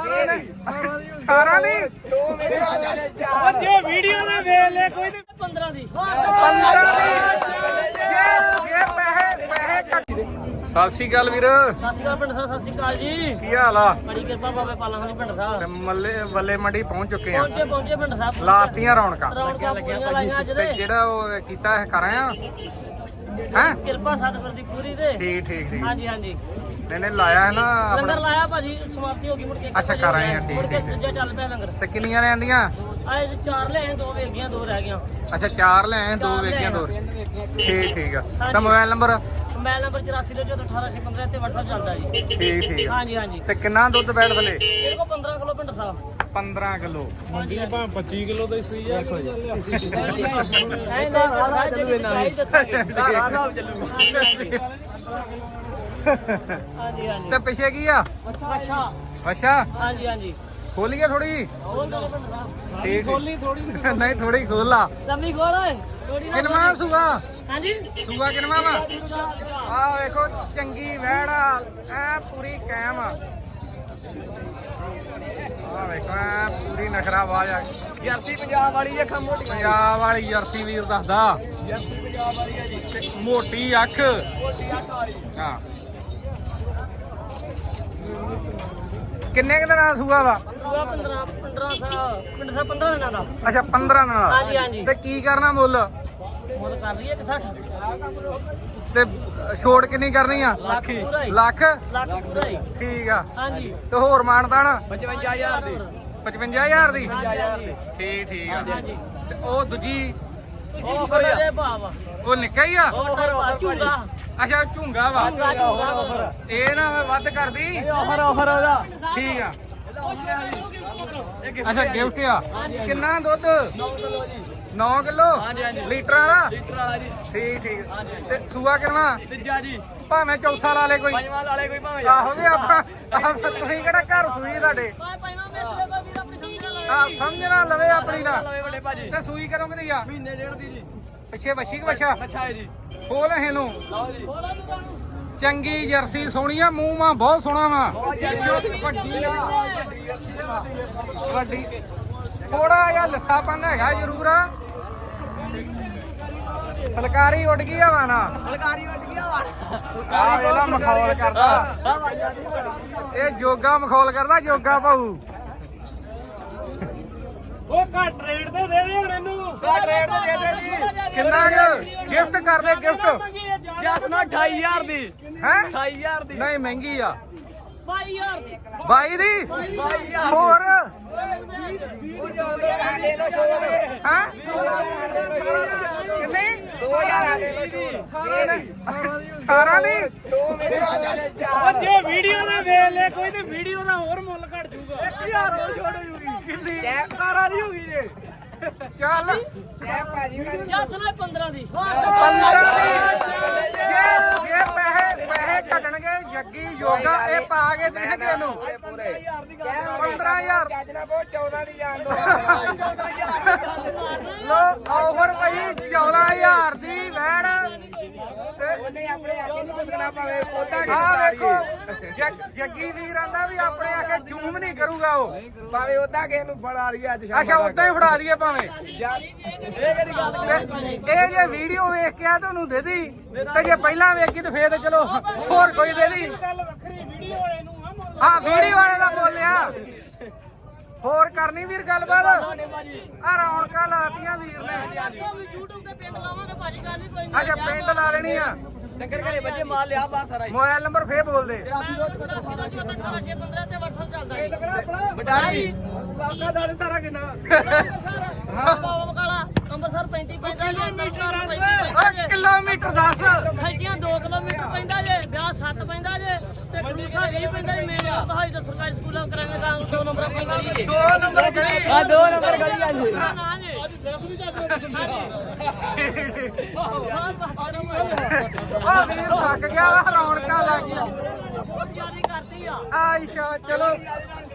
18 ਦੀ ਜੇ ਵੀਡੀਓ ਨਾ ਵੇਖ ਲੈ ਕੋਈ 15 ਦੀ 15 ਦੀ ਜੇ ਪੈਸੇ ਘੱਟ। ਸਤਿ ਸ਼੍ਰੀ ਅਕਾਲ ਵੀਰ। ਸਤਿ ਸ਼੍ਰੀ ਅਕਾਲ ਪਿੰਡ ਸਾਹਿਬ, ਸਤਿ ਸ਼੍ਰੀ ਅਕਾਲ ਜੀ। ਕੀ ਹਾਲ ਆ? ਬੜੀ ਕਿਰਪਾ ਬਾਬੇ ਪਾਲਾਂ ਵਾਲੀ ਪਿੰਡ ਸਾਹਿਬ। ਵੱਲੇ ਮੰਡੀ ਪਹੁੰਚ ਚੁੱਕੇ ਆ। ਪਹੁੰਚੇ ਪਿੰਡ ਸਾਹਿਬ। ਲਾਤੀਆਂ ਰੌਣਕਾਂ ਪੂਰੀਆਂ ਲਾਈਆਂ ਅੱਜ ਤੇ ਦੇ। ਜਿਹੜਾ ਉਹ ਕੀਤਾ ਹੈ ਕਰਾਂ ਆ ਹੈ ਕਿਰਪਾ ਸਤਿਗੁਰ ਦੀ ਪੂਰੀ ਤੇ। ਠੀਕ ਹਾਂਜੀ ਹਾਂਜੀ। ਨੇ ਲਾਇਆ ਹੈ ਨਾ ਲੰਗਰ ਲਾਇਆ ਭਾਜੀ, ਸਮਾਪਤੀ ਹੋ ਗਈ ਮੁੜ ਕੇ। ਅੱਛਾ ਕਰ ਆਏ ਆ। ਠੀਕ ਦੂਜਾ ਚੱਲ ਪਿਆ ਲੰਗਰ। ਤੇ ਕਿੰਨੀਆਂ ਲੈਂਦੀਆਂ? ਆਏ 4 ਲੈ ਆਏ, 2 ਵੇਚ ਗਈਆਂ, 2 ਰਹਿ ਗਈਆਂ। ਅੱਛਾ 4 ਲੈ ਆਏ, 2 ਵੇਚੀਆਂ 2। ਠੀਕ ਆ। ਤਾਂ ਮੋਬਾਈਲ ਨੰਬਰ? ਮੋਬਾਈਲ ਨੰਬਰ 84 ਤੇ WhatsApp ਚੱਲਦਾ ਜੀ। ਠੀਕ ਆ। ਹਾਂਜੀ। ਤੇ ਕਿੰਨਾ ਦੁੱਧ ਬੈਠ ਥਲੇ? ਇਹਦੇ ਕੋਲ 15 ਕਿਲੋ ਪਿੰਡ ਸਾਹਿਬ। 15 ਕਿਲੋ। ਮੰਡੀ ਦੇ ਭਾਵੇਂ 25 ਕਿਲੋ ਦਾ ਹੀ ਸਹੀ ਆ। ਹਾਂਜੀ ਤੇ ਪਿੱਛੇ ਕੀ ਆ? ਅੱਛਾ ਹਾਂਜੀ। ਖੋਲੀਏ ਥੋੜੀ। ਠੀਕ ਖੋਲੀ ਥੋੜੀ ਨਹੀਂ ਥੋੜੀ ਖੋਲਾ। ਲੰਮੀ ਖੋਲ ਓਏ। ਕਿਨਵਾ ਸੂਆ? ਹਾਂਜੀ ਸੂਆ ਕਿਨਵਾ ਵਾ? ਆਹ ਵੇਖੋ ਚੰਗੀ ਵਹਿੜ ਆ, ਐ ਪੂਰੀ ਕਾਇਮ ਆ। ਆਹ ਵੇਖੋ ਐ ਪੂਰੀ ਨਖਰਾ ਆਵਾਜ਼ ਆ। ਜਰਸੀ ਪੰਜਾਬ ਵਾਲੀ ਅੱਖਾਂ ਮੋਟੀ। ਪੰਜਾਬ ਵਾਲੀ ਜਰਸੀ ਵੀਰ ਦੱਸਦਾ। ਜਰਸੀ ਪੰਜਾਬ ਵਾਲੀ ਹੈ ਜੀ। ਮੋਟੀ ਅੱਖ। ਮੋਟੀ ਅੱਖ ਵਾਲੀ। ਹਾਂ ਕਿੰਨੇ ਕੁ ਦਿਨਾਂ ਦਾ ਸੂਆ ਵਾ? 15 ਦਿਨਾਂ ਦਾ। ਅੱਛਾ 15 ਦਿਨਾਂ ਦਾ। ਹਾਂਜੀ। ਤੇ ਕੀ ਕਰਨਾ ਮੁੱਲ? ਮੁੱਲ ਕਰ ਰਹੀ ਹੈ 160। ਤੇ ਛੋੜ ਕਿੰਨੀ ਕਰਨੀ ਆ? ਲੱਖ ਪੂਰਾ ਹੀ। ਲੱਖ ਪੂਰਾ ਹੀ। ਠੀਕ ਆ। ਹਾਂਜੀ। ਤੇ ਹੋਰ ਮਾਨਤਾਨ? 55000 ਦੀ। 55000 ਦੀ। ਹਾਂਜੀ। ਠੀਕ ਆ। ਹਾਂਜੀ। ਤੇ ਉਹ ਦੂਜੀ ਉਹ ਫੜੇ ਭਾਵ ਉਹ ਨਿੱਕਾ ਹੀ ਆ? ਉਹ ਝੂਗਾ। ਅੱਛਾ ਝੁੰਗਾ ਵਾ। ਇਹ ਨਾ ਵੱਧ ਕਰਦੀ। ਆਫਰ ਉਹਦਾ। ਠੀਕ ਆ। ਅੱਛਾ ਗਿਫਟ ਆ। ਕਿੰਨਾ ਦੁੱਧ? 9 ਕਿਲੋ ਲੀਟਰ ਵਾਲਾ। ਠੀਕ ਤੇ ਸੂਆ ਕਿੰਨਾ? ਤੀਜਾ ਜੀ। ਭਾਵੇਂ ਚੌਥਾ ਲਾ ਲੇ ਕੋਈ। ਪੰਜਵਾਂ ਲਾ ਲੇ ਕੋਈ ਭਾਵੇਂ। ਆਹੋ ਵੀ ਆਪਾਂ ਤੁਸੀਂ ਕਿਹੜਾ ਘਰ ਸੂਈ ਤੁਹਾਡੇ? ਸਮਝਣਾ ਲਵੇ ਆਪਣੀ ਨਾ। ਵੱਡੇ ਭਾਜੀ। ਤੇ ਸੂਈ ਕਦੋਂ ਕਿਦੀ ਆ? ਮਹੀਨੇ ਡੇਢ ਦੀ ਜੀ। ਪਿੱਛੇ ਵੱਛੀ ਕਿ ਬੱਚਾ? ਅੱਛਾ ਹੈ ਜੀ। ਖੋਲ ਇਹਨੂੰ। ਲਓ ਜੀ। ਚੰਗੀ ਜਰਸੀ ਸੋਹਣੀ ਆ, ਮੂੰਹ ਮਾ ਬਹੁਤ ਸੋਹਣਾ ਵਾ। ਵੱਡੀ ਥੋੜਾ ਜਿਹਾ ਲੱਸਾਪਨ ਹੈਗਾ ਜ਼ਰੂਰ ਆ। ਫਲਕਾਰੀ ਉੱਡ ਗਈ ਆ ਵਾਣਾ। ਫਲਕਾਰੀ ਉੱਡ ਗਿਆ ਵਾ। ਆ ਵੇਲਾ ਮਖੌਲ ਕਰਦਾ। ਇਹ ਜੋਗਾ ਮਖੌਲ ਕਰਦਾ, ਜੋਗਾ ਭਾਊ। ਉਹ ਘੱਟ ਰੇਟ ਤੇ ਦੇ ਦੇ ਹੁਣ ਇਹਨੂੰ। ਘੱਟ ਰੇਟ ਤੇ ਦੇ ਦੇ ਜੀ। ਕਿੰਨਾ ਗਿਫਟ ਕਰਦੇ? ਗਿਫਟ ਜਸ ਨਾ 28000 ਦੀ। ਹੈ 28000 ਦੀ। ਨਹੀਂ ਮਹਿੰਗੀ ਆ। 22000 ਦੀ। 22 ਦੀ। ਹੋਰ ਹੈ 2000 ਕਿੰਨੀ? ਦੀ। 18 ਦੀ। ਜੇ ਵੀਡੀਓ ਨਾ ਵੇਖ ਲੈ ਕੋਈ ਤੇ ਵੀਡੀਓ ਦਾ ਹੋਰ ਮੁੱਲ ਘਟ ਜਾਊਗਾ। 1000 ਹੋਰ ਛੋੜ ਹੋ ਜੂਗੀ। ਕਿੰਨੀ? 17 ਦੀ ਹੋ ਗਈ ਜੇ। ਚੱਲ ਜਸ ਨਾ 15 ਦੀ। 15 ਦੀ। ਜੇ ਪੈਸੇ ਘਟਣਗੇ ਜੱਗੀ ਯੋਗਾ ਇਹ ਪਾ ਕੇ ਦੇਣਗੇ ਇਹਨੂੰ 15000 ਲੋ ਆਫਰ ਭਾਈ 14000 ਦੀ ਵੈਣ। ਆ ਵੇਖੋ ਜੱਗੀ ਵੀਰ ਆਂਦਾ ਵੀ ਆਪਣੇ ਆ ਕੇ ਜ਼ੂਮ ਨਹੀਂ ਕਰੂਗਾ ਉਹ। ਭਾਵੇਂ ਉਦਾਂ ਕਿਸੇ ਨੂੰ ਫੜਾ ਲਈਏ ਅੱਜ ਅੱਛਾ ਉਦਾਂ ਹੀ ਫੜਾ ਦਈਏ ਭਾਵੇਂ। ਇਹ ਇਹ ਜੇ ਵੀਡੀਓ ਵੇਖ ਕੇ ਆ ਤੁਹਾਨੂੰ ਦੇ ਦੀ, ਤੇ ਜੇ ਪਹਿਲਾਂ ਵੇਖੀ ਤੇ ਫੇਰ ਤੇ ਚਲੋ ਹੋਰ ਕੋਈ ਦੇ ਦੀ। ਗੱਲ ਵੱਖਰੀ ਵੀਡੀਓ ਵਾਲੇ ਨੂੰ ਆ ਮੁੱਲ। ਹਾਂ ਵੀਡੀਓ ਵਾਲੇ ਦਾ ਬੋਲਿਆ। ਹੋਰ ਕਰਨੀ ਵੀਰ ਗੱਲਬਾਤ? ਆ ਰੌਣਕਾਂ ਲਾਤੀਆਂ ਵੀਰ ਨੇ। YouTube ਤੇ ਪਿੰਡ ਲਾਵਾਂਗੇ ਭਾਜੀ, ਗੱਲ ਹੀ ਕੋਈ ਅੱਛਾ ਪਿੰਡ ਲਾ ਲੈਣੀ ਆ। ਡੰਗਰ ਘਰੇ ਬੱਜੇ ਮਾਲ ਲਿਆ ਬਾਹਰ ਸਾਰਾ ਮੋਬਾਈਲ ਨੰਬਰ ਫੇਰ ਬੋਲ ਦੇ। 84 ਤੇ WhatsApp ਚੱਲਦਾ ਜੀ। ਬਟਾਰੀ ਲਾਕਾ ਦਾ ਸਾਰਾ ਕਿੰਨਾ ਕਾਲਾ ਅੰਮ੍ਰਿਤਸਰ 35 ਪੈਂਦਾ ਜੇ, ਤਰਨਤਾਰਨ 35 ਪੈਂਦਾ ਜੇ, ਕਿਲੋਮੀਟਰ 10 ਖੈਚੀਆਂ 2 ਕਿਲੋਮੀਟਰ ਪੈਂਦਾ ਜੇ, ਵਿਆਹ 7 ਪੈਂਦਾ ਜੇ, ਤੇ ਖੜੂਸਾ 20 ਪੈਂਦਾ ਜੇ। ਮੇਨ ਰੋਡ ਤੋਂ ਹਾਈ ਤਾਂ ਸਰਕਾਰੀ ਸਕੂਲਾਂ ਕਰਾਂਗੇ ਤਾਂ 2 ਨੰਬਰ ਪੈਂਦਾ ਜੀ। 2 ਨੰਬਰ ਗਲੀ। 2 ਨੰਬਰ ਗਲੀ ਆ ਜੀ। ਨਾ ਜੀ ਆ ਵੀਰ ਥੱਕ ਗਿਆ ਵਾ, ਰੌਣਕਾਂ ਲੱਗ ਗਈਆਂ। ਬਹੁਤ ਜ਼ਿਆਦਾ ਕਰਦੀ ਆ। ਆਇਸ਼ਾ ਚਲੋ